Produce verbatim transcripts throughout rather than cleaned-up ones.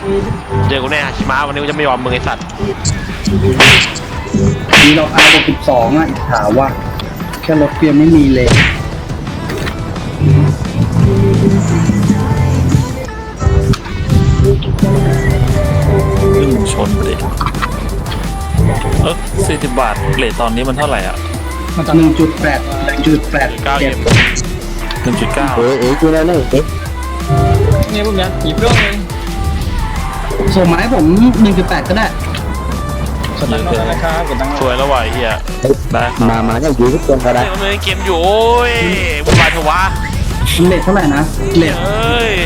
เจอกูแน่ฮาชิมะวันนี้กูจะไม่ยอมมึงไอสัตว์มีเราอาร์บวกสิบสองอ่ะถามว่าแค่รถเพียงไม่มีเลยขึ้นชนเลยเออสี่สิบบาทเลทตอนนี้มันเท่าไหร่อ่ะหนึ่งจุดแปดจุดแปดเก้าเจ็เอ็ดมหนึ่งจุดเก้าเออเออกูนั่นนี่เอ๊ะเนี่ยพวกเนี้ยหยิบเรื่องเลยส่งมาให้ผมหนึ่งจุดแปดก็ได้กดตังค์นอกนะครับกดตังค์นอกสวยแล้ววะไอ้เฮียได้ครับมามาเนี่ยอยู่ทุกคนก็ได้เฮ้ยมันเล่นเกมอยู่โอ้ยวุ่นวายเถอะวะเลทเท่าไหร่นะเลทเอ้ย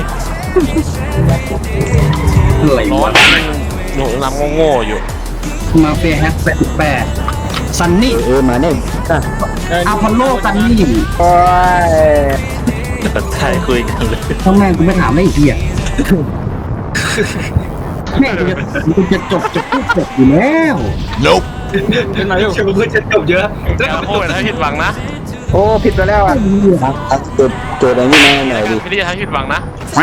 อะไรร้อวะนหนูนำโง่ๆอยู่มาเฟียแฮกแปดสิบแปดซันนี่เออเออมาเนี่ยอ่ะอาพอลโลซันนี่โอ้ยจะตัดใจคุยกันเลยทำไมกูไม่ถามได้อีกทีอ่ะแม่งกูจะกูจะจบจะพูดจบอยู่แล้วเป็นไรอยู่เชื่อเพื่อนจะจบเยอะแต่ขอโทษนะผิดหวังนะโอ้ผิดไปแล้วอ่ะครับครับโจทย์โจทย์อะไรนี่มาหน่อยดิพี่ที่จะทำให้ผิดหวังนะ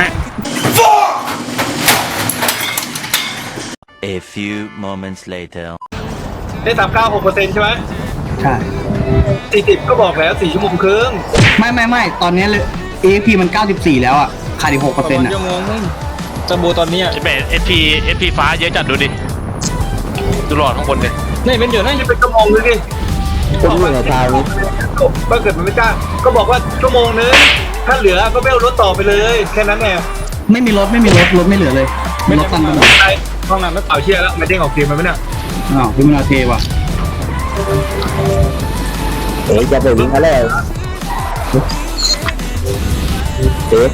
A few moments later. ได้สามเก้าหกเปอร์เซ็นต์ใช่ไหมใช่สี่สิบก็บอกแล้วสี่ชั่วโมงครึ่งไม่ไม่ไม่ตอนนี้เลย เอ พี มันเก้าสิบสี่แล้วอ่ะขาดอีกหกเปอร์เซ็นต์อ่ะชั่วโมงนึงจะโบตอนนี้ไอ้เบสเอฟพีเอฟพีฟ้าเยอะจัดดูดิดูหลอดข้างบนดินี่เป็นเดี๋ยวนะนี่เป็นชั่วโมงนึงดิคนอยู่ในทางนี้ถ้าเกิดมันไม่กล้าก็บอกว่าชั่วโมงนึงถ้าเหลือก็ไม่เอารถต่อไปเลยแค่นั้นแหละไม่มีรถไม่มีรถรถไม่เหลือเลยรถตันไปหมดใช่ห้องน้ำไม่เปล่าเชียร์แล้วไม่เด้งออกเกมมันไหมเนี่ยอ้าวพี่มนาเทว่ะเอ๊ะจะไปวิ่งอะไรเอ๊ะ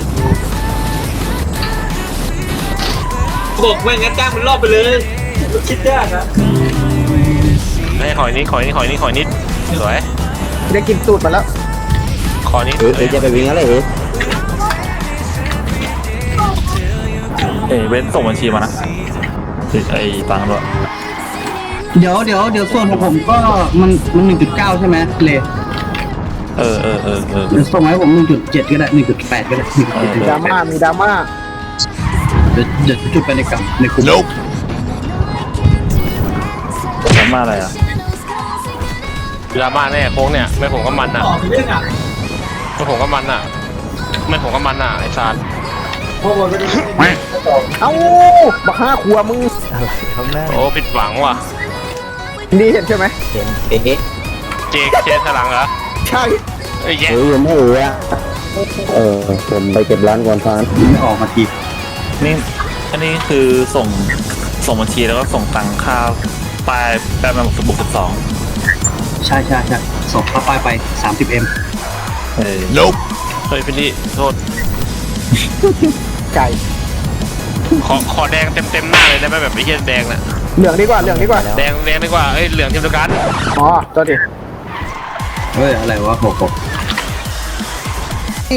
บอกไม่งั้นจ้างมันรอบไปเลยคิดยากนะให้หอยนี้หอยนี้หอยนี้หอยนี้สวยได้กินสูตรมาแล้วขอนี้เออเอ๊ะจะไปวิ่งอะไรเอ๊ะเอ้ยเว้นส่งบัญชีมานะไอ้ตังค์ด้วยเดี๋ยวเดี๋ยวเดี๋ยวส่วนของผมก็มันมันหนึ่งจุดเก้าใช่ไหมเลยเออเออเออเออเดี๋ยวส่งมาให้ผมหนึ่งจุดเจ็ดก็ได้หนึ่งจุดแปดก็ได้หนึ่งจุดเจ็ดดราม่ามีดราม่าเดี๋ยวเดี๋ยวจุดไปในกลุ่มในกลุ่มทำมาอะไรอ่ะดราม่าแน่โค้งเนี่ยไม่ผมก็มันอ่ะต่อไปเรื่องอ่ะไม่ผมก็มันอ่ะไม่ผมก็มันอ่ะไอ้ซานพวกมันก็ได้เอ้าบักห้าครัวมึงโอ้ผิดหวังว่ะนี่เห็นใช่ไหมเห็นเอ๊ะเจกเชสหลังเหรอใช่ไอ้แย่เฮ้ยยังไม่เอ๋อะเออผมไปเก็บร้านก่อนทานไม่ออกมาทีนี่อันนี้คือส่งส่งบัญชีแล้วก็ส่งตังค่าปลายแปดมาสบุกสิบสองใช่ใช่ใช่ส่งเข้าไปไปสามสิบเอ็มเออเฮ้ยพี่ลี่โทษไก่ขอขอแดงเต็มเต็มหน้าเลยได้ไหมแบบไอ้เหี้ยแดงน่ะเหลืองดีกว่าเหลืองดีกว่าแดงแดงดีกว่าเอ้ยเหลืองทีมเดียวกันอ๋อตัวดิเฮ้ยอะไรวะหกหกอี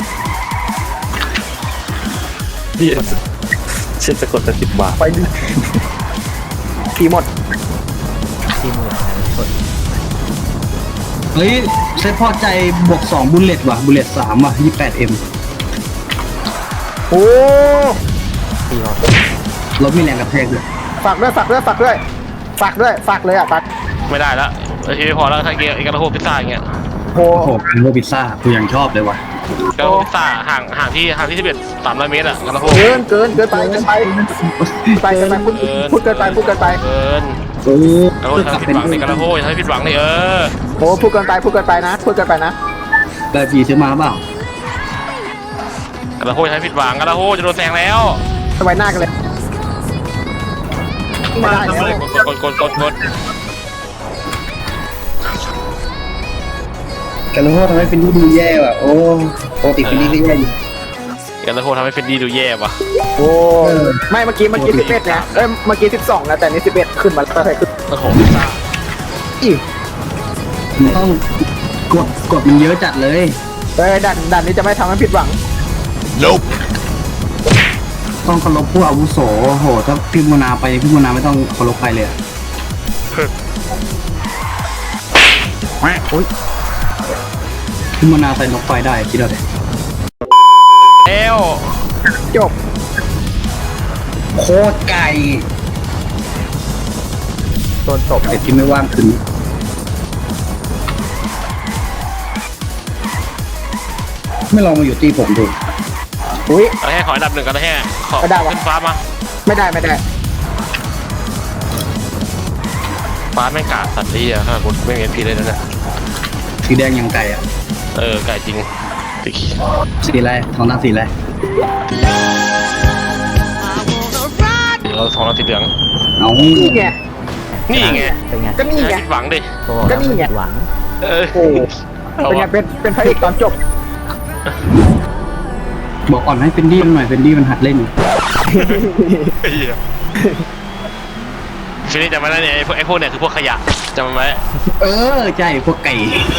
เหี้ยเช็ดจะกดแต่สิบบาทไปดิทีหมดเฮ้ยเซตพอใจบวกสองบุลเลตว่ะบุลเลตสามว่ะยี่สิบแปดเอ็มโอ้รถมีแรงกระแทกด้วยฝากด้วยฝากด้วยฝากด้วยฝากด้วยฝากเลยอ่ะฝากไม่ได้ละไอ้ที่ไม่พอแล้วถ้าเกียร์ไอ้กระโหพิซซ่าอย่างเงี้ยโหโอ้โหคันโรพิซซ่ากูยังชอบเลยว่ะกระโหพิซซ่าห่างห่างที่ห่างที่สิบเอ็ดสามร้อยเมตรอะกระโหเกินเกินเกินไปเกินไปไปเกินไปพูดพูดเกินไปพูดเกินไปเกินโอ้กระโหทำให้ผิดหวังในกระโหทำให้ผิดหวังในเออโอ้พูดเกินไปพูดเกินไปนะพูดเกินไปนะได้พีซื้อมาเปล่ากระโหทำให้ผิดหวังกระโหจะโดนแซงแล้วสบายหน้ากันเลยไม่ได้แล้วกดกดกดกดกันโลทำให้เป็นดูแย่ว่ะโอ้ปกติเป็นดีก็แย่อยู่กระโหทำให้เป็นดีดูแย่ว่ะโอ้ไม่เมื่อกี้เมื่อกี้สิบเอ็ดนะเอ้ยเมื่อกี้สิบสองนะแต่นี่สิบเอ็ดขึ้นมาแล้วใช่ขึ้นกระโหพิซซ่าอีกมันต้องกดกดมันเยอะจัดเลยเอ้ยดันดันนี้จะไม่ทำให้ผิดหวังต้องเคารพผู้อาวุโสโอ้โหถ้าพี่โมนาไปพี่โมนาไม่ต้องเคารพใครเลยอะพี่โมนาใส่นกไฟได้คิดเอาเลยเอวจบโคตรไก่โดนตบเด็กที่ไม่ว่างคืนนี้ไม่ลองมาอยู่ตีผมดูอุ้ยกระแทกขออันดับหนึ่งกระแทกขอไม่ได้วะขึ้นฟ้ามาไม่ได้ไม่ได้ฟ้าแม่งกาดสัตว์ที่อ่ะถ้ากูไม่เห็นพีเลยนะเนี่ยสีแดงยังไก่อ่ะเออไก่จริงติสีอะไรทองหน้าสีอะไรเราสองเราสีเหลืองเอานี่ไงนี่ไงเป็นไงก็นี่ไงอย่าผิดหวังดิตัวบอกก็แล้วนี่ไม่ไงผิดหวังเออโอ้เป็นไงเป็นเป็นพระเอกตอนจบบอกอ่อนให้เป็นดี้มันหน่อยเป็นดี้มันหัดเล่นไอ้เหี้ยฟินี่จำไว้นะเนี่ยไอ้พวกไอ้พวกเนี่ยคือพวกขยะจำไว้เออใช่พวกไก่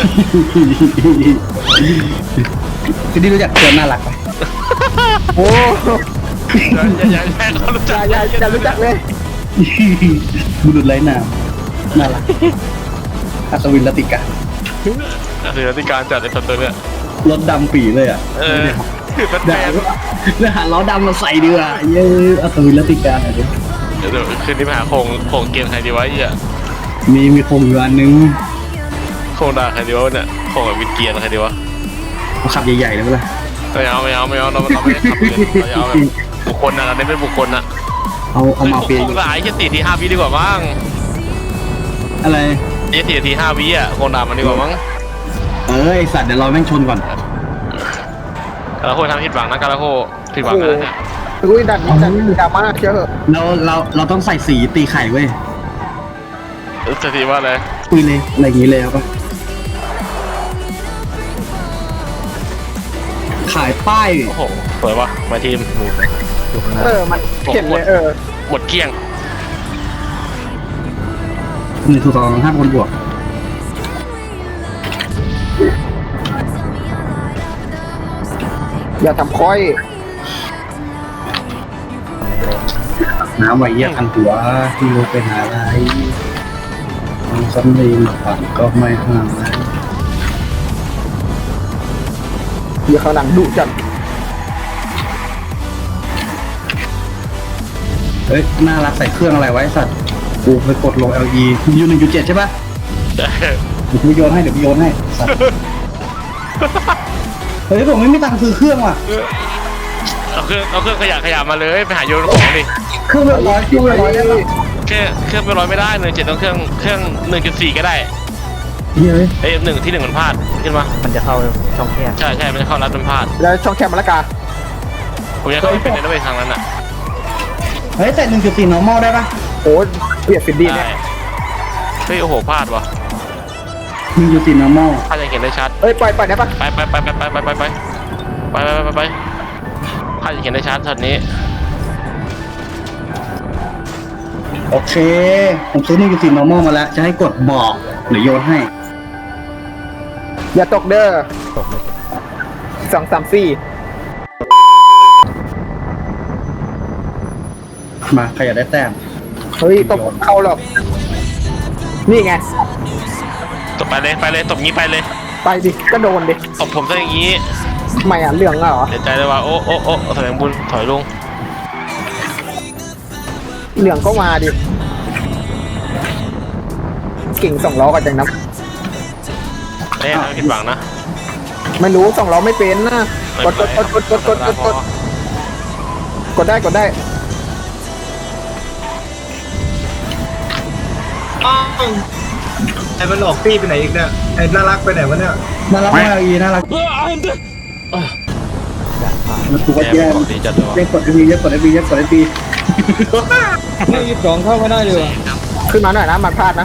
เป็นดี้รู้จักตัวน่ารักไหมโอ้อย่าอย่าอย่าให้เขารู้อจัย่าก อย่าอย่ารู้จักเลยบุรุษไร้นามน่ารักอัศวินลติกาคือรัติการจัดไอ้ตัวเนี่ยรถดำปีเลยอ่ะเออคือแฟนเดี๋ยวหาล้อดำมาใส่ดีกว่าเย้อัศวินลติกาหน่อยดิเดี๋ยวคืนนี้ไปหาโคงโคงเกมใครดีวะไอ้เหี้ยมีมีโคมอยู่อันนึงโคงด่าใครดีวะเนี่ยโคงกับวินเกียร์ใครดีวะเอาขับใหญ่ๆเลยเปล่าไม่เอาไม่เอาไม่เอาเราเราไม่ได้ขับเลยเราจะเอาแบบบุคคลนะเราเน้นเป็นบุคคลนะเอาเอามาเฟียโคงหลายแค่สี่ทีห้าวิดีกว่ามั้งอะไรไอ้สี่ทีห้าวิอ่ะโคงด่ามันดีกว่ามั้งเออไอสัตว์เดี๋ยวเราแม่งชนก่อนกาลาโคทำผิดหวังนะกาลาโคผิดหวังนะเนี่ยอุ้ยดันนี้ดันดราม่าเชื่อเหอะเราเราเราต้องใส่สีตีไข่เว้ยจะทีว่าอะไรคุยเลยอะไรอย่างงี้เลยเอาปะขายป้ายโอ้โหสวยวะมาทีมอยู่ข้างหน้าเออมันเห็นเลยเออหมดเกลี้ยงหนึ่งถูกสองห้าคนบวกอย่าทำค่อยน้ำไหวเยี่ยทันหัวที่รู้เป็นอะไรทางซ้ำลีมาปั่นก็ไม่ห่างนะอย่าข้างหลังดุจัดเฮ้ยน่ารักใส่เครื่องอะไรไว้สัตว์กูไปกดลง แอล อี ยูหนึ่งจุดเจ็ดใช่ปะเดี๋ยวกูโยนให้เดี๋ยวกูโยนให้สัตว์เฮ้ยผมไม่มีตังค์ซื้อเครื่องว่ะเอาเครื่องเอาเครื่องขยะขยะมาเลยไปหาโยนของดิเครื่องแบบร้อยเครื่องแบบร้อยได้ปะเครื่องเครื่องไปร้อยไม่ได้หนึ่งเจ็ดต้องเครื่องเครื่องหนึ่งจุดสี่ก็ได้เฮ้ยเอ้ยหนึ่งที่หนึ่งมันพลาดขึ้นมามันจะเข้าช่องแคบใช่ใช่มันจะเข้ารัดมันพลาดแล้วช่องแคบมะละกาผมยังเข้าไม่เป็นในระเบียงทางนั้นอ่ะเฮ้ยแต่หนึ่งจุดสี่ normal ได้ปะโอ้เปลี่ยนฟินดีเนี่ยได้เฮ้ยโอ้โหพลาดวะหนึ่งจุดสี่ normal พลาดยังเห็นได้ชัดเอ้ยปล่อยปล่อยได้ปะไปไปไปไปไปไปไปไปไปไปไปไปพลาดยังเห็นได้ชัดช็อตนี้โอเค ผมซื้อหนึ่งจุดสี่ normal มาแล้ว จะให้กดบอกหรือโยนให้อย่าตกเด้อตกเลยสองสามสี่มาใครอยากได้แต้มเฮ้ยตกเข้าหรอกนี่ไงตบไปเลยไปเลยตบงี้ไปเลยไปดิก็โดนดิตบผมซะอย่างงี้ทำไมอ่ะเรื่องอ่ะเหรอเสียใจเลยว่าโอ้โอ้โอ้แสดงบุญถอยลงเรื่องก็มาดิเก่งสองล้อกันจังนะแน่นะผิดหวังนะไม่รู้สองล้อไม่เป็นนะกดกดกดกดกดกดกดกดกดได้กดได้อ้าวไอ้มันออกตี้ไปไหนอีกเนี่ยไอ้น่ารักไปไหนวะเนี่ยน่ารักมากอีน่ารักมันถูกว่าแย่แย่บอกดีจัดเลยว่ะเรียกกดเอฟีเรียกกดเอฟีเรียกกดเอฟีนี่ยี่สิบสองเข้าไม่ได้เลยว่ะขึ้นมาหน่อยนะมันพลาดนะ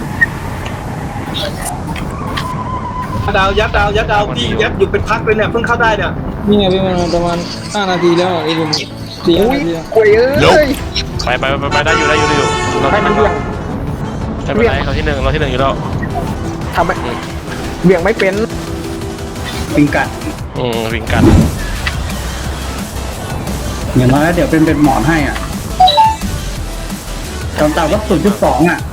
ดาวยัดดาวยัดดาวที่ยัดอยู่เป็นพักเลยเนี่ยเพิ่งเข้าได้เนี่ยนี่ไงพี่มันประมาณห้านาทีแล้วไอ้ลุงสี่ห้าอุ้ยนาทีแล้วโอ้ยเอ้ยไปไปไปไปได้อยู่ได้อยู่ได้อยู่เราให้มันเบี่ยงไม่เป็นไรเราที่หนึ่งเราที่หนึ่งอยู่แล้วทำไมเบี่ยงไม่เป็นปิงกัดอืมวิ่งกันอย่างน้อยเดี๋ยวเป็นเป็นหมอนให้อ่ะตอนต่ำก็ศูนย์จุดสองอ่ะ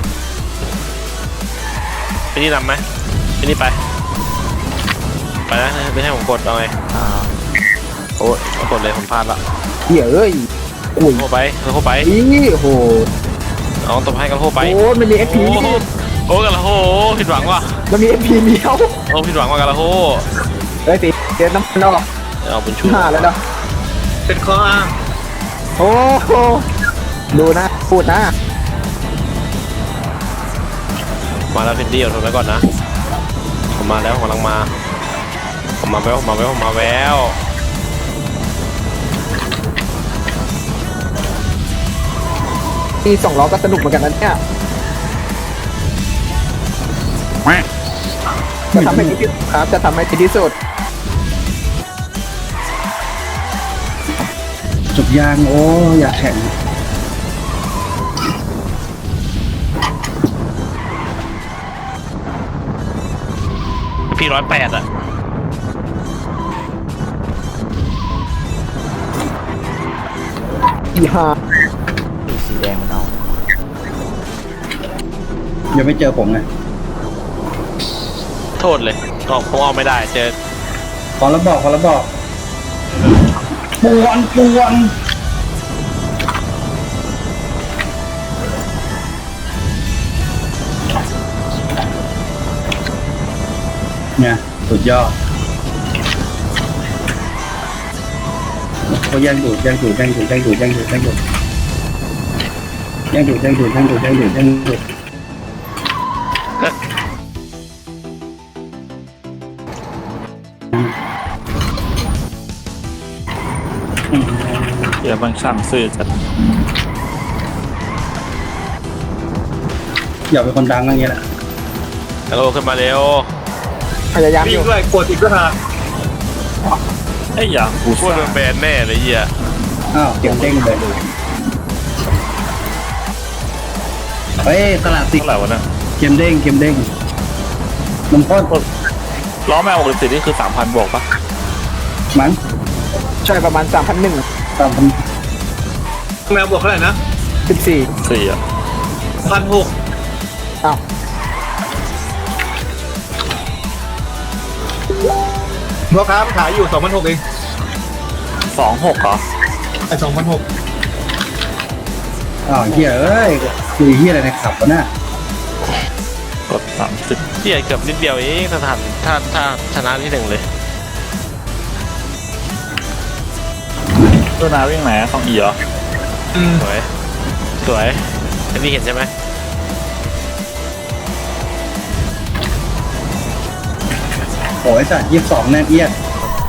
ไปนี่นำไหมไปนี่ไปไปนะไม่ให้ผมกดเอาไงอ่าโอ้ยกดเลยผมพลาดละเหี้ยเอ้ยอุ้ยโคไปกระโคไปนี่โอ้โหเอาตบให้กระโคไปโอ้มันมีเอฟพีโอ้โหโอ้กระโคผิดหวังว่ะมันมีเอฟพีเดียวโอ้ผิดหวังว่ะกระโคเฮ้ยตีเดี๋ยวน้ำมันออกเอาบุญชูห้าแล้วเนาะเป็นข้ออ้างโอ้โหดูนะพูดนะมาแล้วเพนดี้เอาทนไว้ก่อนนะผมมาแล้วผมกำลังมาผมมาแววผมมาแววผมมาแววที่สองล้อก็สนุกเหมือนกันนะเนี่ยจะทำให้ดีที่สุดครับจะทำให้ดีที่สุดจบยางโอ้อยากแข่งพี่ร้อยแปดอ่ะอีห้าสีแดงมันเอายังไม่เจอผมไงโทษเลยก็คงเอาไม่ได้เจอขอแล้วบอกขอแล้วบอกปวนปวนเนี่ยสุดยอดเขาแย่งดูดแย่งดูดแย่งดูดแย่งดูดแย่งดูดแย่งดูดแย่งดูดแย่งดูดแย่งดูดแย่งดูดแย่งดูดเดี๋ยวบางช่างซื้อจัดอยากเป็นคนดังอย่างเงี้ยแหละกระโคขึ้นมาเร็วพยายามอวิ่งยู่ด้วยกดอีกก็หาไอ้ยอย่างกูพูดเป็นแบรนด์แน่เลยเหี้ยอ้าวเก็บเด้งเลยเฮ้ยตลาดสิเท่าไหร่วะเนี่ยเกมเด้งเกมเด้งนมข้นล้อแม่หกสิบนี่คือสามพันบวกปะมั้งใช่ประมาณสามพันหนึ่งตามพันแมวบวกเท่าไหร่นะสิบสี่สี่อ่ะพันหกอ้าวพ่อค้ามันขายอยู่สองพันหกเองสองหกเหรอไอ้สองพันหกอ้าวเฮียเอ้ยคือเฮียอะไรในขับวะน่ะกดสามสิบเหี้ยเกือบนิดเดียวเองถ้าทันถ้าถ้าชนะที่หนึ่งเลยตัวนาวิ่งไหนอะของอีเหรออืมสวยสวยอันนี้เห็นใช่ไหมโอ้ยสัตว์ยี่สิบสองแน่เอียด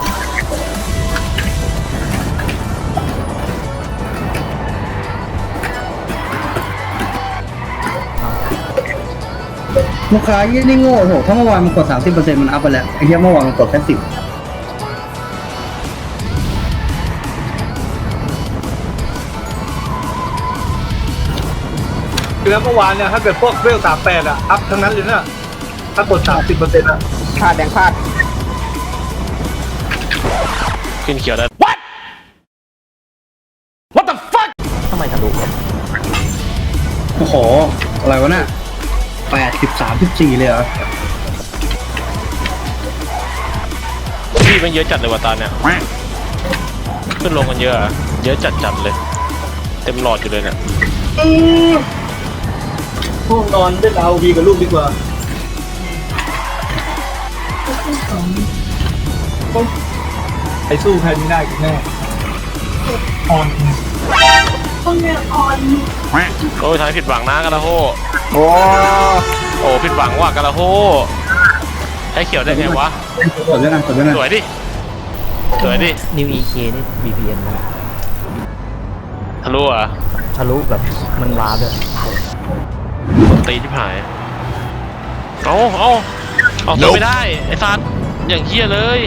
ลูกค้ายี่นี่โง่โหถ้าเมื่อวานมันกดสามสิบเปอร์เซ็นต์มันอัพไปแล้วไอ้เหี้ยเมื่อวานมันกดแค่สิบแล้วเมื่อวานเนี่ยถ้าเกิดพวกเวลสามแปดอะอัพทั้งนั้นเลยนะถ้ากดสามสิบเปอร์เซ็นต์อะพลาดแดงพลาดขึ้นเขียวได้ทำไมทะลุวะโอ้โหอะไรวะน่ะแปดสิบสามสิบสี่เลยเหรอพี่มันเยอะจัดเลยว่ะตาเนี่ยขึ้นลงกันเยอะอะเยอะจัดจัดเลย เต็มหลอดอยู่เลยเนี่ยห้องนอนได้เอาวีกับลูกดีกว่าไอ้สู้ใครไม่ได้กันแน่ออนโอ้ยทำให้ผิดหวังนะกระโฮโอ้โอ้ผิดหวังว่ะกระโฮให้เขียวได้ไงวะกดด้วยกันกดด้วยกันสวยดิ สวยดินิว อี เค นี่ บี พี เอ็น นะทะลุอ่ะทะลุแบบมันว้าด้วยตีที่หาย เอาเอาเอาตัวไม่ได้ ไอ้ซันอย่างเฮี้ยเลย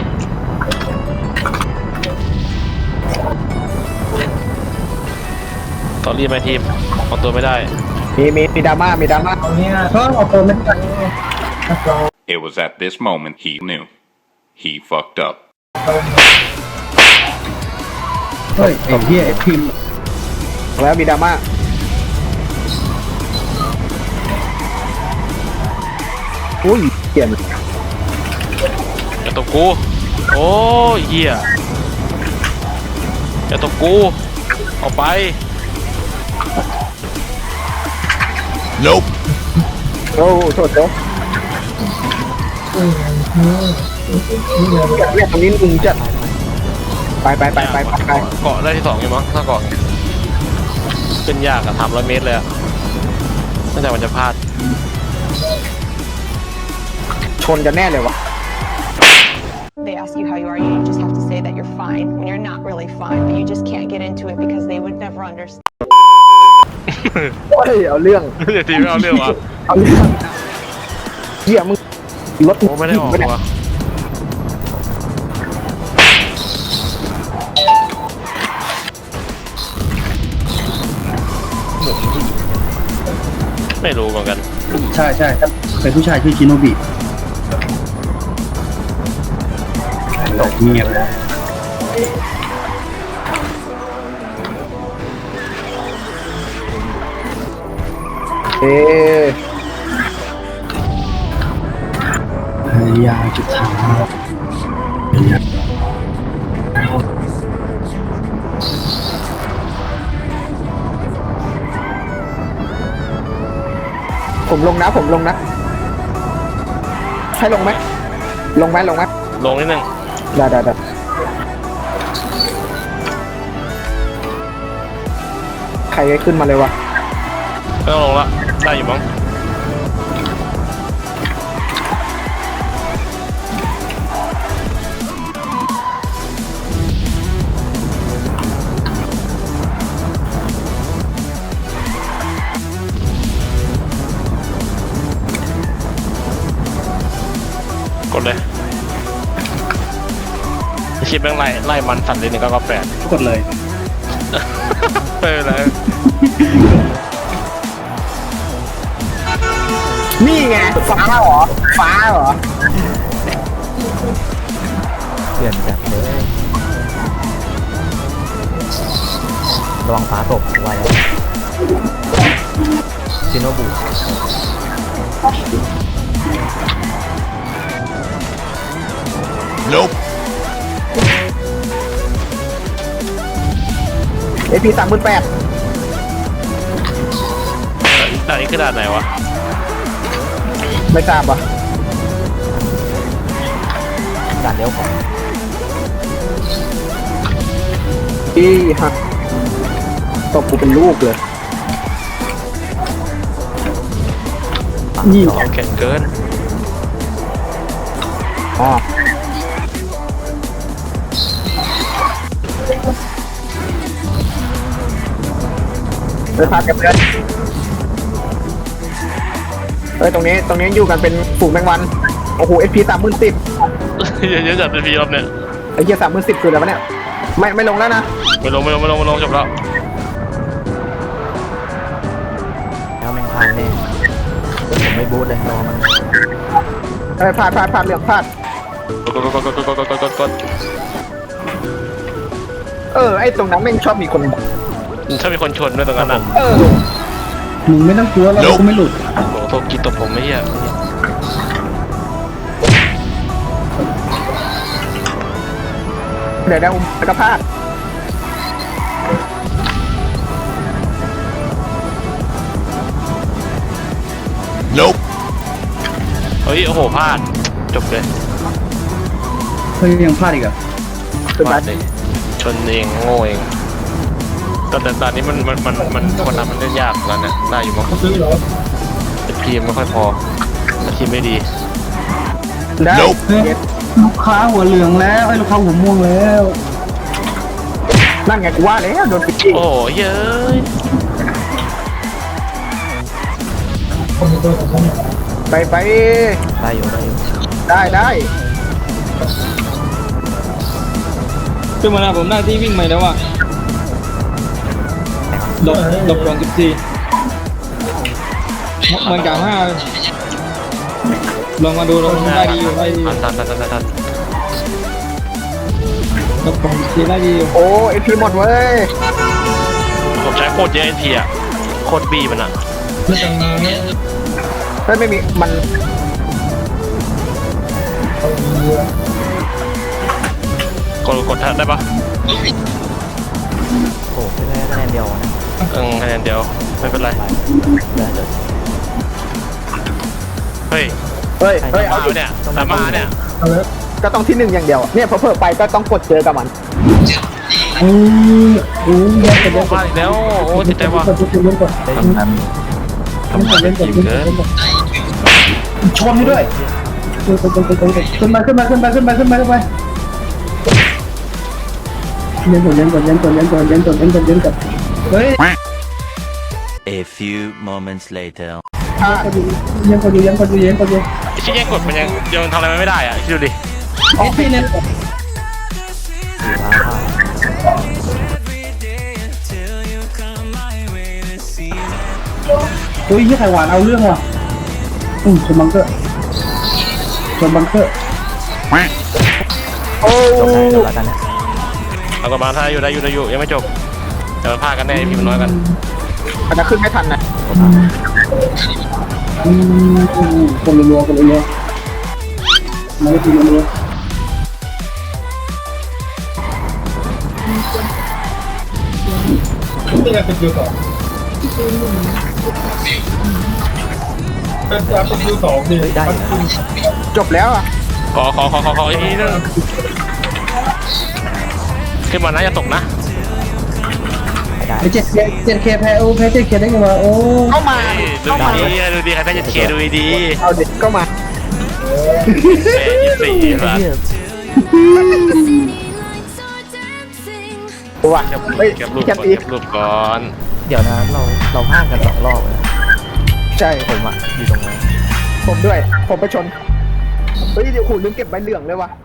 ตอนรีบไหมทีมเอาตัวไม่ได้มีมีมีดราม่ามีดราม่าเพราะเอาตัวไม่ได้ It was at this moment he knew. He fucked up. เฮ้ยไอ้เหี้ยไอ้พิมพ์แล้วมีดราม่าอุ้ยเปลี่ยนอย่าตบกู โอ้ยเหี้ยอย่าตบกูออกไป Nope. โอ้โทษโทษเรียกตรงนี้ลุงจัดไปไปไปไปไปเกาะได้ที่สองอยู่มั้งถ้าเกาะเป็นยากอะสามร้อยเมตรเลยอะตั้งแต่มันจะพลาดชนกันแน่เลยวะ They ask you how you are, you just have to say that you're fine when you're not really fine, but you just can't get into it because they would never understand. เฮ้ยเอาเรื่องเดี๋ยวทีไม่เอาเรื่องวะเอาเรื่องเหี้ยมึงรถโอ้ไม่ได้ออกเนี่ยวะไม่รู้เหมือนกันใช่ใช่ถ้าเป็นผู้ชายชื่อชิโนบิตกเงียบแล้วเอ๊ะพยายามจะถามพยายามผมลงนะผมลงนะให้ลงไหมลงไหมลงไหมลงนิดนึงได้ได้ได้ใครขึ้นมาเลยวะไม่ต้องลงละได้อยู่มั้งกดเลยชิปแม่งไล่ไล่มันสั่นเลยหนึ่งเก้าเก้าแปดกดเลยไม่เป็นไรนี่ไงฟ้าเหรอฟ้าเหรอเปลี่ยนจัดเลยระวังฟ้าตกไว้แล้วชิโนบุ Nope. เอพีสามหมื่นแปดด่านนี้คือด่านไหนวะไม่ทราบวะด่านเลี้ยวขวาอีฮะตบกูเป็นลูกเลยนี่แข็งเกินอ๋อเดินทางกับเพื่อนเฮ้ยตรงนี้ตรงนี้อยู่กันเป็นฝูงแมงวันโอ้โหเอพีสามหมื่นสิบเยอะๆจัดเป็นพีรอบเนี่ยไอ้เหี้ยสามหมื่นสิบคืออะไรวะเนี่ยไม่ไม่ลงแล้วนะไม่ลงไม่ลงไม่ลงไม่ลงจบแล้วแล้วแม่งพลาดแน่ผมไม่บูทเลยรอมันเฮ้ยพลาดพลาดพลาดเรื่องพลาดกดกดกดกดกดกดกดกดกดเออไอ้ตรงนั้นแม่งชอบมีคนถ้ามีคนชนด้วยตรงนั้นอ่ะเออมึงไม่ต้องกลัวเราก็ไม่หลุดโอ้โหโทษกินตบผมไม่เหี้ยเดี๋ยวเดี๋ยวแล้วก็พลาด Nope. เฮ้ยโอ้โหพลาดจบเลยเฮ้ยยังพลาดอีกเหรอ่ะขึ้นพมาลาดเลยชนเองโง่เองแต่แต่ตอนนี้มันมันมันมันคนทำมันเล่นยากแล้วเนี่ยได้อยู่มั้งแต่ทีมไม่ค่อยพอแต่ทีมไม่ดีได้ Nope เฮ้ยลูกค้าหัวเหลืองแล้วไอ้ลูกค้าหัวม่วงแล้วนั่นไงกูว่าแล้วโดนปิดจี้โอ้โหเย้ยไปไปได้อยู่ได้อยู่ได้ได้ขึ้นมาแล้วผมได้ที่วิ่งใหม่แล้วอ่ะหลบหลบก่อนสิบสี่มันกล่าวห้าลองมาดูลองได้ดีอยู่ได้ดีอยู่ทันทันทันทันทันหลบก่อนสิบสี่ได้ดีอยู่โอ้เอพีหมดเว้ยผมใช้โคตรเยอะไอทีอะโคตรบีมันอะเฮ้ยไม่มีมันกดกดทันได้ปะโอ้ไปแล้วคะแนนเดียวนะเออคะแนนเดียวไม่เป็นไรเดี๋ยวเดี๋ยวเฮ้ยเฮ้ยเฮ้ยมาเอาดิเนี่ยตามมาเนี่ยก็ต้องที่หนึ่งอย่างเดียวเนี่ยพอเพิ่มไปก็ต้องกดเจอกับมันอืออู้แยกกันแยกมาอีกแล้วโอ้ติดใจว่ะทำงานทำงานเป็นทีมเกินชนนี่ด้วยขึ้นมาขึ้นมาขึ้นมาขึ้นมาขึ้นมาขึ้นมาเย็นก่อนเย็นก่อนเย็นก่อนเย็นก่อนเย็นก่อนเย็นก่อนเย็นก่อนเฮ้ย A few moments later. เย็นก่อนอยู่เย็นก่อนอยู่เย็นก่อนอยู่ไอ้ชี้แย่งกดมันยังยังทำอะไรมันไม่ได้อ่ะคิดดูดิออกที่เนี่ย เฮ้ยยี่ไข่หวานเอาเรื่องว่ะอืมชนบังเกอร์ชนบังเกอร์โอ้จบแล้วจบแล้วกันนะเอากลับมาถ้าอยู่ได้อยู่ได้อยู่ยังไม่จบแต่มันพลาดกันแน่พี่มันน้อยกันอาจจะขึ้นไม่ทันนะอืมคนรัวๆคนรัวๆมาทีรัวๆนี่ไงเป็นคิวสองเป็นการเป็นคิวสองดิเฮ้ยได้อยู่นะจบแล้วอ่ะขอขอขอขอขออีกทีนึงขึ้นมานะอย่าตกนะไม่ได้ไอ้เจ็ดเคเจ็ดเคแพ้โอ้แพ้เจ็ดเคได้ไงวะโอ้เข้ามาดูดีดูดีใครแพ้จะเคดูดีเอาเด็กก็มาแม่ยี่สี่ไอ้ละเหี้ยตัวเฮ้ยเก็บรูปแคก่ปอนอีกเก็บรูปก่อนเดี๋ยวนะเราเราพลาดกันสองรอบเลยนะใช่ผมอะอยู่ตรงนั้นผมด้วย ผมไปชน เฮ้ยเดี๋ยวคุณลืมเก็บใบเหลืองเลยว่ะ